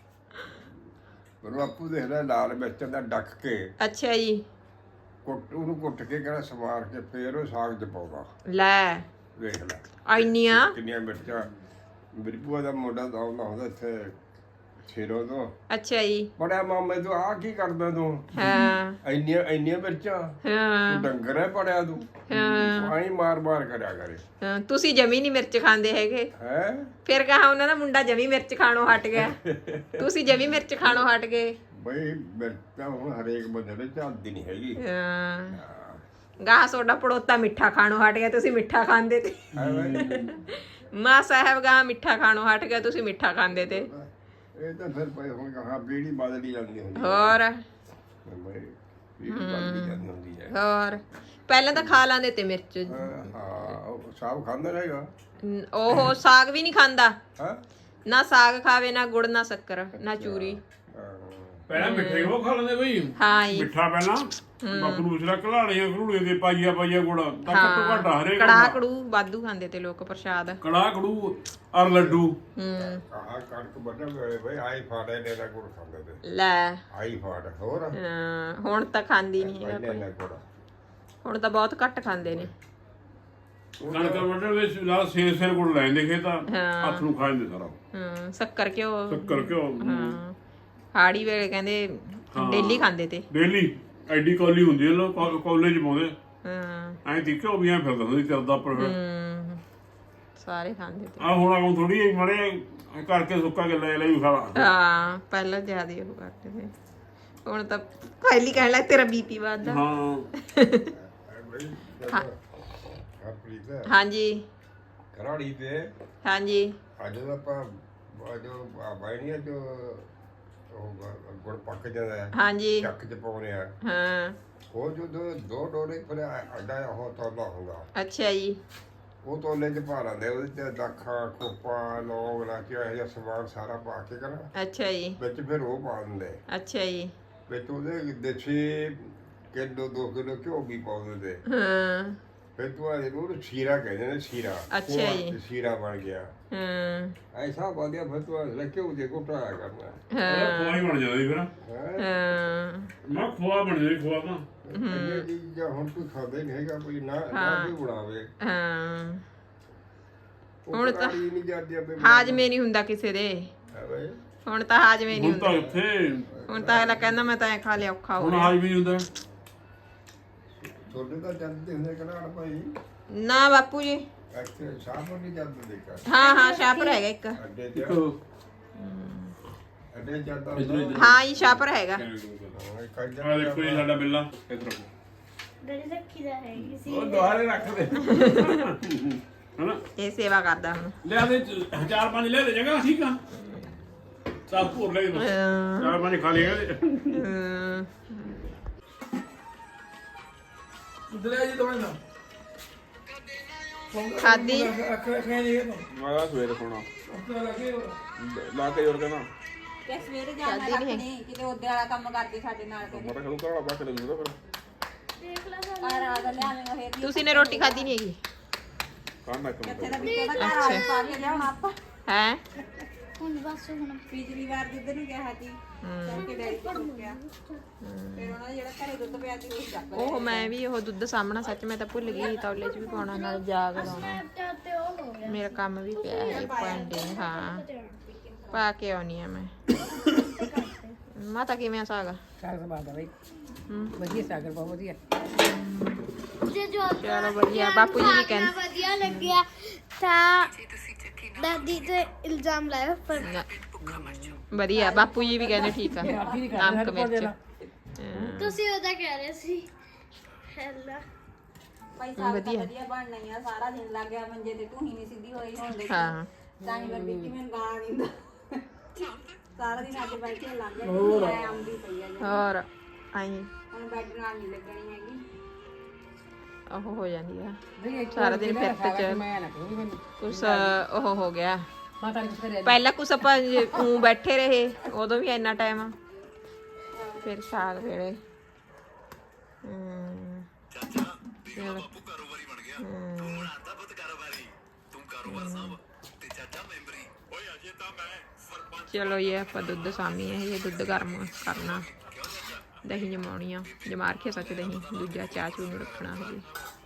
ਪਰ ਬਾਪੂ ਦੇਖਦਾ ਲਾਲ ਮਿਰਚ ਦਾ ਡੱਕ ਕੇ
ਅੱਛਾ ਜੀ,
ਉਹਨੂੰ ਕੁੱਟ ਕੇ ਕਹਿੰਦਾ ਸਵਾਰ ਕੇ ਫੇਰ ਉਹ ਸਾਗ 'ਚ ਪਾਉਂਦਾ।
ਲੈ
ਦੇਖ ਲੈ
ਇੰਨੀਆਂ
ਕਿੰਨੀਆਂ ਮਿਰਚਾਂ। ਮੇਰੀ ਭੂਆ ਦਾ ਮੁੰਡਾ ਦਾ ਆਉਂਦਾ ਹੁੰਦਾ ਇੱਥੇ ਛੇਰੋਂ ਤੋਂ।
ਅੱਛਾ ਜੀ,
ਬੜਿਆ ਮਾਮੇ ਤੂੰ ਆਹ ਕੀ ਕਰਦਾ ਤੂੰ?
ਹਾਂ
ਇੰਨੀਆਂ ਮਿਰਚਾਂ,
ਹਾਂ
ਤੂੰ ਡੰਗਰ ਹੈ ਪੜਿਆ ਤੂੰ? ਆਈ ਮਾਰ ਕਰਿਆ ਕਰੇ
ਹਾਂ, ਤੁਸੀਂ ਜਮੀ ਨਹੀਂ ਮਿਰਚ ਖਾਂਦੇ ਹੈਗੇ।
ਹੈ।
ਫਿਰ ਕਹਾ ਉਹਨਾਂ ਦਾ ਮੁੰਡਾ ਜਮੀ ਮਿਰਚ ਖਾਣੋਂ ਹਟ ਗਿਆ, ਤੁਸੀਂ ਜਮੀ ਮਿਰਚ ਖਾਣੋਂ ਹਟ ਗਏ।
ਬਈ ਮਿਰਚਾਂ ਹੁਣ ਹਰੇਕ ਬੰਦੇ ਦੇ ਚੱਲਦੀ ਨਹੀਂ ਹੈਗੀ।
ਗਾਹ ਸੋਡਾ ਪੜੋਤਾ ਮਿੱਠਾ ਖਾਣੋਂ ਹਟ ਗਿਆ, ਤੁਸੀਂ ਮਿੱਠਾ ਖਾਂਦੇ ਤੇ।
ਹੈ ਬਈ
ਮਾਂ ਸਾਹਿਬ ਗਾਹ ਮਿੱਠਾ ਖਾਣੋਂ ਹਟ ਗਿਆ, ਤੁਸੀਂ ਮਿੱਠਾ ਖਾਂਦੇ ਤੇ।
ਇਹ ਤਾਂ ਫਿਰ ਭਾਈ ਹੁਣ ਕਹਾ ਬੀੜੀ ਬਦਲੀ ਜਾਂਦੀ ਹੁੰਦੀ
ਹੋਰ
ਬਈ ਬੀੜੀ ਬਦਲੀ ਜਾਂਦੀ ਹੁੰਦੀ ਹੈ।
ਹੋਰ ਪਹਿਲਾਂ ਤਾਂ ਖਾ ਲਾਂਦੇ ਤੇ ਮਿਰਚ।
ਹਾਂ ਉਹ ਸਾਬ ਖਾਂਦਾ ਰਹੇਗਾ।
ਉਹ ਸਾਗ ਵੀ ਨਹੀਂ ਖਾਂਦਾ,
ਹਾਂ
ਨਾ ਸਾਗ ਖਾਵੇ, ਨਾ ਗੁੜ, ਨਾ ਸ਼ੱਕਰ, ਨਾ ਚੂਰੀ।
ਪਹਿਲਾਂ ਮਿੱਠੇ ਉਹ ਖਾ ਲੈਂਦੇ ਬਈ,
ਹਾਂ ਜੀ,
ਮਿੱਠਾ ਪਹਿਲਾਂ ਮਖਰੂਸਰਾ ਘਲਾੜੀਆਂ ਘਰੂੜੇ ਦੇ ਪਾਈਆ ਗੁੜ ਤਾਂ ਘੱਟੋ ਘੱਟ ਹਰੇਕ
ਕੜਾਹ ਕੜੂ ਵਾਧੂ ਖਾਂਦੇ ਤੇ ਲੋਕ ਪ੍ਰਸ਼ਾਦ।
ਕੜਾਹ ਕੜੂ ਔਰ ਲੱਡੂ।
ਆਹ ਕਣਕ ਵੱਢਣ ਵੇਲੇ ਬਈ ਆਈ ਫਾੜੇ ਨੇ ਨਾ ਗੁੜ ਖਾਂਦੇ ਤੇ।
ਲੈ
ਆਈ ਫਾੜ ਹੋਰ
ਹੁਣ ਤਾਂ ਖਾਂਦੀ ਨਹੀਂ ਹੈਗਾ ਕੋਈ,
ਨਾ ਗੁੜ
ਹੁਣ ਤਾਂ ਬਹੁਤ ਘੱਟ ਖਾਂਦੇ ਨੇ।
ਕਣਕ ਵੱਢਣ ਵਿੱਚ ਨਾਲ ਸੇਰ ਗੁੜ ਲੈਂਦੇ ਖੇਤਾਂ, ਹੱਥ ਨੂੰ ਖਾ ਜਾਂਦੇ ਸਾਰਾ।
ਸ਼ੱਕਰ ਘਿਓ,
ਸ਼ੱਕਰ ਘਿਓ
ਹਾਂ ਹਾੜੀ ਵੇਲੇ ਕਹਿੰਦੇ ਡੇਲੀ ਖਾਂਦੇ ਤੇ।
ਡੇਲੀ ਐਡੀ ਕੌਲੀ ਹੁੰਦੀ ਹੈ, ਲੋਕ ਕਾਲਜ ਪਾਉਂਦੇ
ਹਾਂ
ਐਂ ਦੇਖਿਓ ਵੀ ਐਂ ਫਿਰਦਾ ਹੁੰਦੀ ਚਰਦਾ ਪਰ
ਸਾਰੇ ਖਾਂਦੇ ਤੇ।
ਆ ਹੁਣ ਥੋੜੀ ਮੜੇ ਕਰਕੇ ਸੁੱਕਾ ਕੇ ਲੈ ਵੀ ਖਾ ਲਾ।
ਹਾਂ ਪਹਿਲਾਂ ਜ਼ਿਆਦਾ ਉਹ ਕਰਦੇ ਤੇ, ਹੁਣ ਤਾਂ ਪਹਿਲੀ ਕਹਿਣ ਲੱਗ ਤੇਰਾ ਬੀਪੀ ਵੱਧਦਾ।
ਹਾਂ
ਹਾਂਜੀ
ਕਰਾੜੀ ਤੇ
ਹਾਂਜੀ
ਅੱਜ ਦਾ ਆਪਾਂ ਜੋ ਬਾਈਆਂ ਜੋ ਗੁੜ ਪੱਕ ਜਾਂਦਾ ਹੈ,
ਹਾਂਜੀ
ਚੱਕ 'ਚ ਪਾਉਣੇ ਆ।
ਹਾਂ
ਉਹ ਜੋ ਦੋ ਡੋਰੇ ਫਿਰ ਅੱਡਾ ਉਹ ਤੋਲਾ ਹੁੰਦਾ,
ਅੱਛਾ ਜੀ,
ਉਹ ਤੋਲੇ 'ਚ ਪਾ ਲੈਂਦੇ। ਉਹਦੇ 'ਚ ਦਾਖਾਂ, ਖੋਪਾ, ਲੌਂਗ, ਇਲਾਇਚੀ ਇਹੋ ਜਿਹਾ ਸਮਾਨ ਸਾਰਾ ਪਾ ਕੇ ਕਰਾਂ
ਅੱਛਾ ਜੀ,
ਵਿੱਚ ਫਿਰ ਉਹ ਪਾ ਦਿੰਦੇ।
ਅੱਛਾ ਜੀ,
ਵਿੱਚ ਉਹਦੇ ਦੇਸੀ ਕਿਲੋ 2 ਕਿਲੋ ਘਿਓ ਵੀ ਪਾ ਦਿੰਦੇ।
ਹਾਂ
ਫਿਰ ਤੂੰ ਇਹਨੂੰ ਸੀਰਾ ਕਹਿੰਦੇ ਨੇ, ਸੀਰਾ।
ਅੱਛਾ ਜੀ।
ਸੀਰਾ ਬਣ ਗਿਆ
ਹਾਂ
ਐਸਾ ਵਧੀਆ। ਫਿਰ ਤੂੰ ਲੈ ਘਿਓ ਦੇ ਘੋਟਾਇਆ ਕਰਨਾ।
ਖੋਆ ਹੀ ਬਣ ਜਾਂਦੀ ਫਿਰ।
ਹਾਂ
ਮੈਂ ਖੋਆ ਬਣ ਜਾਂਦੀ, ਖੋਆ ਤਾਂ
ਇਹ ਚੀਜ਼ਾਂ ਹੁਣ ਕੋਈ ਖਾਂਦਾ ਨਹੀਂ ਹੈਗਾ ਕੋਈ, ਨਾ ਕੋਈ ਬਣਾਵੇ।
ਹਾਂ
ਹੁਣ ਤਾਂ ਨਹੀਂ ਜਾਂਦੀ ਆਪੇ।
ਹਾਜਮੇ ਨਹੀਂ ਹੁੰਦਾ ਕਿਸੇ ਦੇ, ਹੁਣ ਤਾਂ ਹਾਜਮੇ ਨਹੀਂ
ਹੁਣ ਤਾਂ
ਹੁੰਦਾ।
ਉੱਥੇ
ਹੁਣ ਤਾਂ ਅਗਲਾ ਕਹਿੰਦਾ ਮੈਂ ਤਾਂ ਐ ਖਾ ਲਿਆ, ਔਖਾ ਹੋ
ਹੁਣ
ਰਿਹਾ।
ਹਾਜ ਵੀ ਨਹੀਂ ਹੁੰਦਾ।
ਤੁਹਾਡੇ ਤਾਂ ਜਾਂਦੇ ਹੁੰਦੇ ਕਨਾੜ ਭਾਈ?
ਨਾ ਬਾਪੂ ਜੀ,
ਇੱਥੇ ਸ਼ਾਮ ਨੂੰ ਨਹੀਂ ਜਾਂਦੇ ਦੇਖਾ।
ਹਾਂ ਸ਼ਾਪਰ ਹੈਗਾ ਇੱਕ।
ਅੱਡੇ ਤੇ ਅੱਡੇ ਜਾਂਦਾ
ਹਾਂ ਜੀ ਸ਼ਾਪਰ ਹੈਗਾ।
ਆ ਦੇਖੋ ਜੀ ਸਾਡਾ ਬਿੱਲਾ ਇਧਰ
ਡੈਡੀ ਰੱਖੀ ਦਾ ਹੈ ਕਿਸੇ
ਉਹ ਦੁਆਰੇ ਰੱਖ ਦੇ ਹਨਾ।
ਇਹ ਸੇਵਾ ਕਰਦਾ ਹੁਣ।
ਲਿਆ ਦੇ 4-5 ਲਿਆ ਦੇ ਜਗਾ, ਠੀਕ ਆ। ਚਾਰ ਭੋਰ ਲੈ ਦੇ, 4-5 ਖਾ ਲਿਆ
ਹਾਂ
ਦਰਿਆ ਜੀ ਦਵਾਈ ਨਾ
ਖਾਦੀ
ਅੱਖ ਰੱਖਿਆ ਨਹੀਂ ਇਹ
ਮੈਂ ਸਵੇਰੇ ਸੋਣਾ
ਤਾਂ ਲੱਗੇ
ਲਾ ਕੇ ਜੋਰ ਕਹਿੰਦਾ
ਤੇ ਸਵੇਰੇ ਜਾਣਾ ਰੱਖਣੀ ਕਿਤੇ ਉਹਦੇ ਵਾਲਾ ਕੰਮ ਕਰਦੇ ਸਾਡੇ ਨਾਲ ਕਰੇ
ਮਟਾ ਕਦੋਂ ਕਰਾਉਣਾ ਬਾਅਦ ਚਲੇ ਜੂਗਾ ਫਿਰ
ਦੇਖ ਲਾ
ਘਰ ਆ ਦਾ ਲਿਆਵੇਂਗਾ ਫੇਰ
ਤੁਸੀਂ ਨੇ ਰੋਟੀ ਖਾਧੀ ਨਹੀਂ ਹੈਗੀ
ਕਾਹਨਾ ਕੰਮ
ਕਿੱਥੇ ਦਾ ਵਿੱਚੋਂ ਦਾ ਘਰ ਆ ਪਾ ਕੇ ਲਿਆਉਣਾ ਆਪਾਂ
ਹੈ
ਹੁਣ ਬਸ ਹੁਣ
ਪਿਛਲੀ ਵਾਰ ਜਿੱਦ ਨੂੰ ਕਿਹਾ ਸੀ ਕਿ ਡੈਡੀ ਕੋਲ ਗਿਆ ਫਿਰ ਉਹਨਾਂ ਦਾ ਜਿਹੜਾ ਘਰੇ ਦੁੱਧ ਪਿਆ ਸੀ ਉਹ ਚੱਕ ਲਿਆ
ਉਹ ਮੈਂ ਵੀ ਉਹ ਦੁੱਧ ਸਾਹਮਣਾ ਸੱਚ ਮੈਂ ਤਾਂ ਭੁੱਲ ਗਈ ਤੌਲੇ 'ਚ ਵੀ ਪਾਉਣਾ ਨਾਲ ਜਾਗ ਲਾਉਣਾ
ਤੇ ਉਹ ਹੋ ਗਿਆ
ਮੇਰਾ ਕੰਮ ਵੀ ਪਿਆ ਹੈ ਪੈਂਡਿੰਗ ਹਾਂ ਪਾ ਕੇ ਆਉਣੀ ਆ ਮੈਂ ਮਾਤਾ ਕਿਵੇਂ ਆ ਸਾਗ
ਸਾਗ ਸਵਾਦ ਆ ਬਈ ਵਧੀਆ ਸਾਗ ਬਹੁਤ ਵਧੀਆ
ਜੇ ਜੋ
ਚਲੋ ਵਧੀਆ ਬਾਪੂ ਜੀ ਵੀ ਕਹਿੰਦੇ
ਵਧੀਆ ਲੱਗਿਆ ਤਾਂ ਦਾਦੀ ਤੇ ਇਲਜ਼ਾਮ ਲਾਇਆ ਪਰ
ਨਾ, ਵਧੀਆ ਬਾਪੂ ਜੀ ਵੀ ਕਹਿੰਦੇ ਠੀਕ ਆ ਨਮਕ ਮਿਰਚ
ਤੁਸੀਂ ਉਹਦਾ ਕਹਿ ਰਹੇ ਸੀ ਹੈਲਾ
ਭਾਈ ਸਾਗ ਤਾਂ ਵਧੀਆ ਬਣਨਾ ਹੀ ਆ ਸਾਰਾ ਦਿਨ ਲੱਗ ਗਿਆ ਮੰਜੇ ਤੇ ਤੂੰ ਹੀ ਨਹੀਂ ਸਿੱਧੀ ਹੋਈ ਹੁਣ ਦੇ
ਹਾਂ
ਤਾਂ ਹੀ ਮੈਂ ਵਿੱਕੀ ਮੈਨੂੰ ਗਾਲਾਂ ਦਿੰਦਾ ਸਾਰਾ ਦਿਨ ਅੱਜ ਬੈਠੇ ਲੱਗ ਗਿਆ ਮੈਂ ਆਉਂਦੀ ਪਈ ਆ ਜੀ।
ਹੋਰ ਆਈ
ਹੁਣ ਬੈੱਡ ਨਾਲ ਨਹੀਂ ਲੱਗਣੀ ਹੈਗੀ
ਉਹ ਹੋ ਜਾਂਦੀ ਆ
ਬਈ
ਸਾਰਾ ਦਿਨ ਫਿਰ ਤੇ ਚ
ਮੈਂ ਨਾ ਕਹੂੰ ਮੈਨੂੰ
ਕੁਛ ਉਹ ਹੋ ਗਿਆ
ਮਾਤਾ ਨੇ ਕੁਛ ਕਰਿਆ
ਪਹਿਲਾਂ ਕੁਛ ਆਪਾਂ ਉਂ ਬੈਠੇ ਰਹੇ ਉਦੋਂ ਵੀ ਇੰਨਾ ਟਾਈਮ ਫਿਰ ਸਾਗ ਵੇਲੇ ਚਲੋ ਚਲੋ ਇਹ ਆਪਾਂ ਦੁੱਧ ਸਾਮੀ ਹੈ ਇਹ ਦੁੱਧ ਗਰਮ ਕਰਨਾ ਦਹੀਂ ਜਮਾਉਣੀ ਆ ਜਮਾ ਰੱਖਿਆ ਸੱਚ ਦਹੀਂ ਦੂਜਾ ਚਾਹ ਚੂਹ ਨੂੰ ਰੱਖਣਾ ਹਜੇ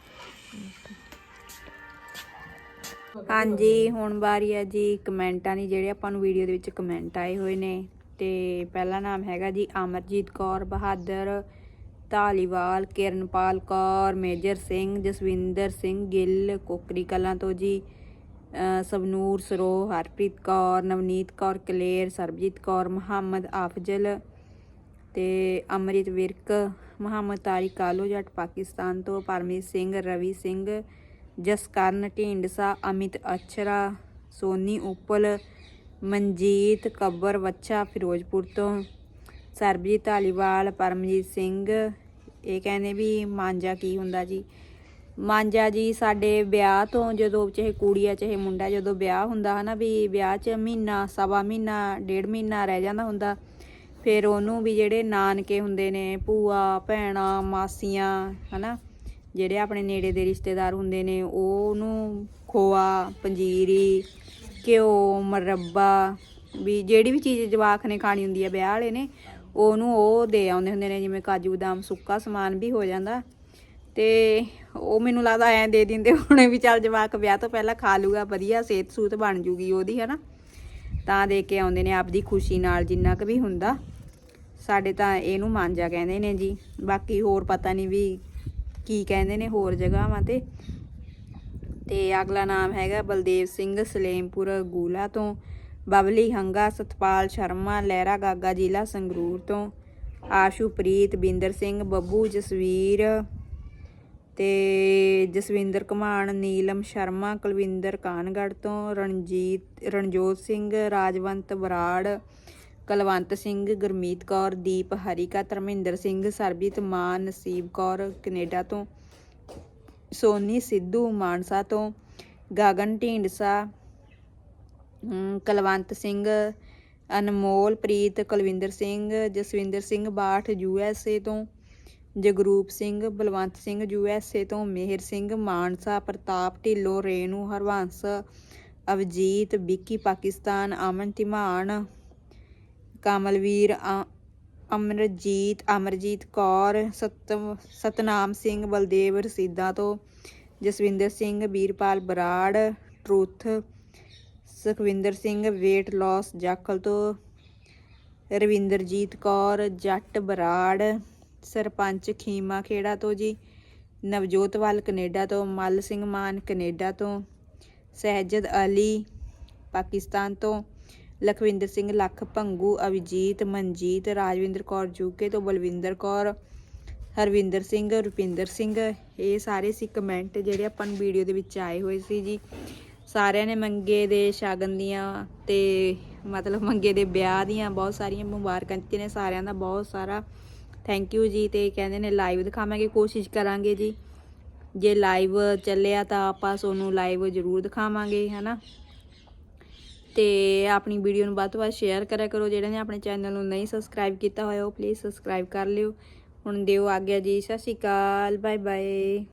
ਹਾਂਜੀ ਹੁਣ ਵਾਰੀ ਹੈ ਜੀ ਕਮੈਂਟਾਂ ਦੀ ਜਿਹੜੇ ਆਪਾਂ ਨੂੰ ਵੀਡੀਓ ਦੇ ਵਿੱਚ ਕਮੈਂਟ ਆਏ ਹੋਏ ਨੇ ਤੇ ਪਹਿਲਾ ਨਾਮ ਹੈਗਾ ਜੀ ਅਮਰਜੀਤ ਕੌਰ ਬਹਾਦਰ ਧਾਲੀਵਾਲ ਕਿਰਨਪਾਲ ਕੌਰ ਮੇਜਰ ਸਿੰਘ ਜਸਵਿੰਦਰ ਸਿੰਘ ਗਿੱਲ ਕੋਕਰੀ ਕਲਾਂ ਤੋਂ ਜੀ ਸਵਨੂਰ ਸਰੋ ਹਰਪ੍ਰੀਤ ਕੌਰ ਨਵਨੀਤ ਕੌਰ ਕਲੇਰ ਸਰਬਜੀਤ ਕੌਰ ਮੁਹੰਮਦ ਆਫਜ਼ਲ ਤੇ ਅਮਰਿਤ ਵਿਰਕ ਮੁਹੰਮਦ ਤਾਰਿਕ ਕਾਲੋ ਜੱਟ ਪਾਕਿਸਤਾਨ ਤੋਂ ਪਰਮਜੀਤ ਸਿੰਘ ਰਵੀ ਸਿੰਘ ਜਸਕਰਨ ਢੀਂਡਸਾ ਅਮਿਤ ਅਛਰਾ ਸੋਨੀ ਉਪਲ ਮਨਜੀਤ ਕੱਬਰ ਵੱਛਾ ਫਿਰੋਜ਼ਪੁਰ ਤੋਂ ਸਰਬਜੀਤ ਧਾਲੀਵਾਲ ਪਰਮਜੀਤ ਸਿੰਘ ਇਹ ਕਹਿੰਦੇ ਵੀ ਮਾਂਜਾ ਕੀ ਹੁੰਦਾ ਜੀ ਮਾਂਜਾ ਜੀ ਸਾਡੇ ਵਿਆਹ ਤੋਂ ਜਦੋਂ ਚਾਹੇ ਕੁੜੀ ਆ ਚਾਹੇ ਮੁੰਡਾ ਜਦੋਂ ਵਿਆਹ ਹੁੰਦਾ ਹਨਾ ਵੀ ਵਿਆਹ 'ਚ ਮਹੀਨਾ ਸਵਾ ਮਹੀਨਾ ਡੇਢ ਮਹੀਨਾ ਰਹਿ ਜਾਂਦਾ ਹੁੰਦਾ ਫਿਰ ਉਹਨੂੰ ਵੀ ਜਿਹੜੇ ਨਾਨਕੇ ਹੁੰਦੇ ਨੇ ਭੂਆ ਭੈਣਾਂ ਮਾਸੀਆਂ ਹਨਾ ਜਿਹੜੇ ਆਪਣੇ ਨੇੜੇ ਦੇ ਰਿਸ਼ਤੇਦਾਰ ਹੁੰਦੇ ਨੇ ਉਹਨੂੰ ਖੋਆ ਪੰਜੀਰੀ ਘਿਓ ਮਰੱਬਾ ਵੀ ਜਿਹੜੀ ਵੀ ਚੀਜ਼ ਜਵਾਕ ਨੇ ਖਾਣੀ ਹੁੰਦੀ ਹੈ ਵਿਆਹ ਵਾਲੇ ਨੇ ਉਹਨੂੰ ਉਹ ਦੇ ਆਉਂਦੇ ਹੁੰਦੇ ਨੇ ਜਿਵੇਂ ਕਾਜੂ ਬਦਾਮ ਸੁੱਕਾ ਸਮਾਨ ਵੀ ਹੋ ਜਾਂਦਾ ਤੇ ਉਹ ਮੈਨੂੰ ਲੱਗਦਾ ਐਂ ਦੇ ਦਿੰਦੇ ਹੋਣੇ ਵੀ ਚੱਲ ਜਵਾਕ ਵਿਆਹ ਤੋਂ ਪਹਿਲਾਂ ਖਾ ਲੂਗਾ ਵਧੀਆ ਸਿਹਤ ਸੂਤ ਬਣ ਜੂਗੀ ਉਹਦੀ ਹੈ ਨਾ ਤਾਂ ਦੇ ਕੇ ਆਉਂਦੇ ਨੇ ਆਪਦੀ ਖੁਸ਼ੀ ਨਾਲ ਜਿੰਨਾ ਕੁ ਵੀ ਹੁੰਦਾ ਸਾਡੇ ਤਾਂ ਇਹਨੂੰ ਮਾਂਜਾ ਕਹਿੰਦੇ ਨੇ ਜੀ ਬਾਕੀ ਹੋਰ ਪਤਾ ਨਹੀਂ ਵੀ ਕੀ ਕਹਿੰਦੇ ਨੇ ਹੋਰ ਜਗ੍ਹਾਵਾਂ ਤੇ ਅਗਲਾ ਨਾਮ ਹੈਗਾ ਬਲਦੇਵ ਸਿੰਘ ਸਲੇਮਪੁਰ ਗੂਲਾ ਤੋਂ ਬਬਲੀ ਹੰਗਾ ਸਤਪਾਲ ਸ਼ਰਮਾ ਲਹਿਰਾ ਗਾਗਾ ਜ਼ਿਲ੍ਹਾ ਸੰਗਰੂਰ ਤੋਂ ਆਸ਼ੂਪ੍ਰੀਤ ਬਿੰਦਰ ਸਿੰਘ ਬੱਬੂ ਜਸਵੀਰ ਤੇ ਜਸਵਿੰਦਰ ਘਮਾਣ ਨੀਲਮ ਸ਼ਰਮਾ ਕੁਲਵਿੰਦਰ ਕਾਨਗੜ੍ਹ ਤੋਂ ਰਣਜੋਤ ਸਿੰਘ ਰਾਜਵੰਤ ਬਰਾੜ ਕਲਵੰਤ ਸਿੰਘ ਗੁਰਮੀਤ ਕੌਰ ਦੀਪ ਹਰੀਕਾ ਧਰਮਿੰਦਰ ਸਿੰਘ ਸਰਬਜੀਤ ਮਾਨ ਨਸੀਬ ਕੌਰ ਕੈਨੇਡਾ ਤੋਂ ਸੋਨੀ ਸਿੱਧੂ ਮਾਨਸਾ ਤੋਂ ਗਗਨ ਢੀਂਡਸਾ ਕਲਵੰਤ ਸਿੰਘ ਅਨਮੋਲ ਪ੍ਰੀਤ ਕੁਲਵਿੰਦਰ ਸਿੰਘ ਜਸਵਿੰਦਰ ਸਿੰਘ ਬਾਠ USA ਤੋਂ ਜਗਰੂਪ ਸਿੰਘ ਬਲਵੰਤ ਸਿੰਘ USA ਤੋਂ ਮੇਹਰ ਸਿੰਘ ਮਾਨਸਾ ਪ੍ਰਤਾਪ ਢਿੱਲੋਂ ਰੇਨੂ ਹਰਵੰਸ ਅਵਜੀਤ ਵਿੱਕੀ ਪਾਕਿਸਤਾਨ ਅਮਨ ਧੀਮਾਨ ਕਮਲਵੀਰ ਅਮਰਜੀਤ ਕੌਰ ਸਤਨਾਮ ਸਿੰਘ ਬਲਦੇਵ ਰਸੀਦਾ ਤੋਂ Jaswinder Singh Veerpal Brar truth Sukhwinder Singh weight loss Jakhal ਤੋਂ ਰਵਿੰਦਰਜੀਤ ਕੌਰ ਜੱਟ ਬਰਾੜ ਸਰਪੰਚ ਖੀਮਾ ਖੇੜਾ ਤੋਂ ਜੀ ਨਵਜੋਤਵਾਲ ਕੈਨੇਡਾ ਤੋਂ ਮੱਲ ਸਿੰਘ ਮਾਨ ਕੈਨੇਡਾ ਤੋਂ ਸਹਿਜਦ ਅਲੀ ਪਾਕਿਸਤਾਨ ਤੋਂ ਲਖਵਿੰਦਰ ਸਿੰਘ ਲੱਖ ਭੰਗੂ ਅਵਿਜੀਤ ਮਨਜੀਤ ਰਾਜਵਿੰਦਰ ਕੌਰ ਜੂਕੇ ਤੋਂ ਬਲਵਿੰਦਰ ਕੌਰ ਹਰਵਿੰਦਰ ਸਿੰਘ ਰੁਪਿੰਦਰ ਸਿੰਘ ਇਹ ਸਾਰੇ ਸੀ ਕਮੈਂਟ ਜਿਹੜੇ ਆਪਾਂ ਨੂੰ ਵੀਡੀਓ ਦੇ ਵਿੱਚ ਆਏ ਹੋਏ ਸੀ ਜੀ ਸਾਰਿਆਂ ਨੇ ਮੰਗੇ ਦੇ ਸ਼ਗਨ ਦੀਆਂ ਤੇ ਮਤਲਬ ਮੰਗੇ ਦੇ ਵਿਆਹ ਦੀਆਂ ਬਹੁਤ ਸਾਰੀਆਂ ਮੁਬਾਰਕਾਂ ਦਿੱਤੀਆਂ ਨੇ ਸਾਰਿਆਂ ਦਾ ਬਹੁਤ ਸਾਰਾ ਥੈਂਕ ਯੂ ਜੀ ਤੇ ਕਹਿੰਦੇ ਨੇ ਲਾਈਵ ਦਿਖਾਵਾਂਗੇ ਕੋਸ਼ਿਸ਼ ਕਰਾਂਗੇ ਜੀ ਜੇ ਲਾਈਵ ਚੱਲਿਆ ਤਾਂ ਆਪਾਂ ਤੁਹਾਨੂੰ ਲਾਈਵ ਜ਼ਰੂਰ ਦਿਖਾਵਾਂਗੇ ਹਨਾ ਤੇ ਆਪਣੀ ਵੀਡੀਓ ਨੂੰ ਵੱਧ ਤੋਂ ਵੱਧ ਸ਼ੇਅਰ ਕਰਿਆ ਕਰੋ। ਜਿਹੜੇ ਨੇ ਆਪਣੇ ਚੈਨਲ ਨੂੰ ਨਹੀਂ ਸਬਸਕ੍ਰਾਈਬ ਕੀਤਾ ਹੋਇਆ ਉਹ ਪਲੀਜ਼ ਸਬਸਕ੍ਰਾਈਬ ਕਰ ਲਿਓ। ਹੁਣ ਦਿਓ ਆਗਿਆ ਜੀ, ਸਤਿ ਸ਼੍ਰੀ ਅਕਾਲ, ਬਾਏ ਬਾਏ।